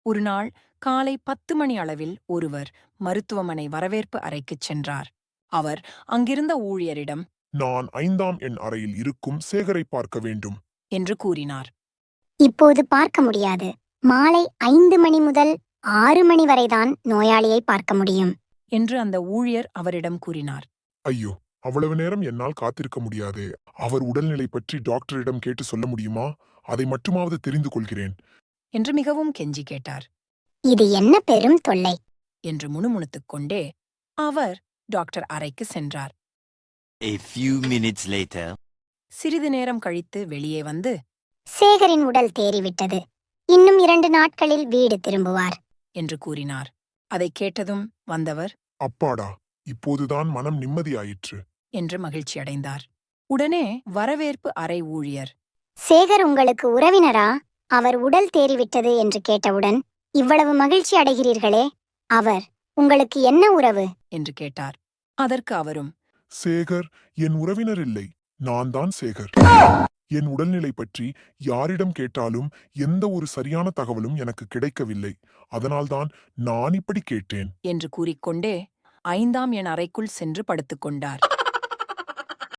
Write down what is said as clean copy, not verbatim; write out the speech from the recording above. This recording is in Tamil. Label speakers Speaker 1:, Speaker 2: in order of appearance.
Speaker 1: ஒருநாள் காலை 10 மணி அளவில் ஒருவர் மருத்துவமனை வரவேற்பு அறைக்குச் சென்றார். அவர் அங்கிருந்த ஊழியரிடம்,
Speaker 2: நான் 5ஆம் எண் அறையில் இருக்கும் சேகரை பார்க்க வேண்டும்
Speaker 1: என்று கூறினார்.
Speaker 3: இப்போது பார்க்க முடியாது. மாலை 5 மணி முதல் 6 மணி வரைதான் நோயாளியை பார்க்க முடியும்
Speaker 1: என்று அந்த ஊழியர் அவரிடம் கூறினார்.
Speaker 2: ஐயோ, அவ்வளவு நேரம் என்னால் காத்திருக்க முடியாதே. அவர் உடல்நிலை பற்றி டாக்டரிடம் கேட்டு சொல்ல முடியுமா? அதை மட்டுமாவது தெரிந்து கொள்கிறேன்
Speaker 1: என்று மிகவும் கெஞ்சி கேட்டார்.
Speaker 3: இது என்ன பெரும் தொல்லை
Speaker 1: என்று முணுமுணுத்துக் கொண்டே அவர் டாக்டர் அறைக்கு சென்றார்.
Speaker 4: A few minutes later.
Speaker 1: சிறிது நேரம் கழித்து வெளியே வந்து,
Speaker 3: சேகரின் உடல் தேறிவிட்டது. இன்னும் 2 நாட்களில் வீடு திரும்புவார்
Speaker 1: என்று கூறினார். அதைக் கேட்டதும் வந்தவர்,
Speaker 2: அப்பாடா, இப்போதுதான் மனம் நிம்மதியாயிற்று
Speaker 1: என்று மகிழ்ச்சியடைந்தார். உடனே வரவேற்பு அறை ஊழியர்,
Speaker 3: சேகர் உங்களுக்கு உறவினரா? அவர் உடல் தேறிவிட்டது என்று கேட்டவுடன் இவ்வளவு மகிழ்ச்சி அடைகிறீர்களே, அவர் உங்களுக்கு என்ன உறவு
Speaker 1: என்று கேட்டார். அதற்கு அவரும்,
Speaker 2: சேகர் என் உறவினர் இல்லை, நான் தான் சேகர். என் உடல்நிலை பற்றி யாரிடம் கேட்டாலும் எந்த ஒரு சரியான தகவலும் எனக்கு கிடைக்கவில்லை. அதனால்தான் நான் இப்படி கேட்டேன்
Speaker 1: என்று கூறிக்கொண்டே 5ஆம் எண் அறைக்குள் சென்று படுத்துக் கொண்டார்.